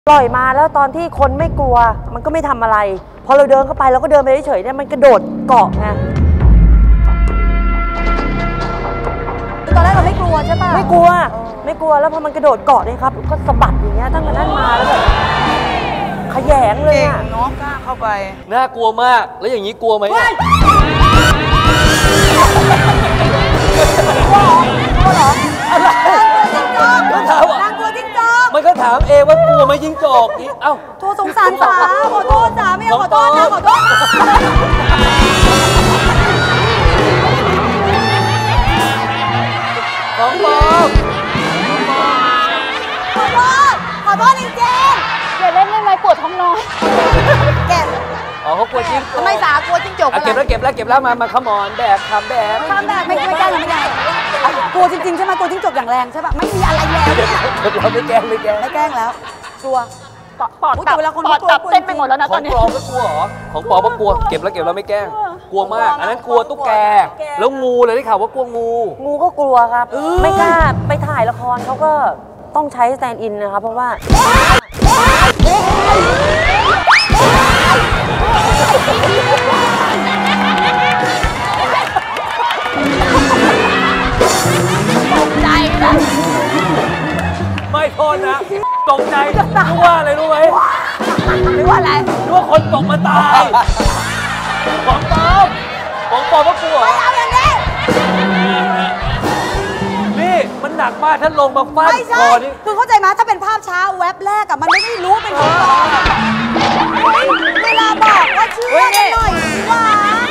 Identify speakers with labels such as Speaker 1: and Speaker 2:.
Speaker 1: ปล่อยมาแล้วตอนที่คนไม่กลัวมันก็ไม่ทำอะไรพอเราเดินเข้าไปเราก็เดินไปเฉยๆเนี่ยมันกระโดดเกาะไง
Speaker 2: ตอนแรกเราไม่กลัวใช่ป่ะ
Speaker 1: ไม่กลัวแล้วพอมันกระโดดเกาะเนี่ยครับก็สะบัดอย่างเงี้ยตั้งแต่นั้นมาแล้วแบบขยงเลยอ่ะ
Speaker 2: น้องกล้าเข้าไป
Speaker 3: น่ากลัวมากแล้วอย่างนี้กลัวไหม
Speaker 2: กลัวเหรออะไรนางกลัวจิ้งจอก
Speaker 3: มันก็ถามเองว่ากลัวไหมจิ้งจอกนี่เอ้า
Speaker 2: โทษสงสารสาขอโทษสาไม่เอาขอโทษนะขอโทษ
Speaker 3: ของปลอม
Speaker 2: ขอโทษจริงๆอย่าเล่นได้ไหมปวดท้องน้อยแก
Speaker 3: อ๋อเขากลัวจิ้งจก
Speaker 2: ทำไมสากลัวจิ้งจก
Speaker 3: เก็บแล้วมาขมอนแบกทำแบก
Speaker 2: ไม่แกล้งกลัวจริงๆใช่ไหมกลัวจิ้งจกอย่างแรงใช่ป่ะไม่มีอะไรแล้วเนี่ย
Speaker 3: เราไม่แกล้ง
Speaker 2: แล้วกลัวปอดตับเต้นไปหมดแล้วนะตอนนี้
Speaker 3: ของปลอมก็กลัวเหรอของปลอมก็กลัวเก็บแล้วไม่แกล้งกลัวมากอันนั้นกลัวตุ๊กแกแล้วงูเลยได้ข่าวว่ากลัว
Speaker 1: งูก็กลัวครับไม่กล้าไปถ่ายละครเขาก็ต้องใช้สแตนด์อินนะครับเพราะว่า
Speaker 2: ตกใจนะ
Speaker 3: ไม่โทษนะตกใจรู้ว่าอะไรรู้ไหม
Speaker 2: รู้ว่าอะไร
Speaker 3: รู้ว่าคนตกมาตายของปลอมก็กลัว
Speaker 2: ไม่เอาอย่างนี้
Speaker 3: นี่มันหนักมากถ้าลงมาฟาดคอนี่
Speaker 2: คือเข้าใจไหมถ้าเป็นภาพช้าแว็บแรกอะมันไม่ได้รู้เป็นของปลอมเวลาบอกว่าเชื่อกันหน่อยสิวะ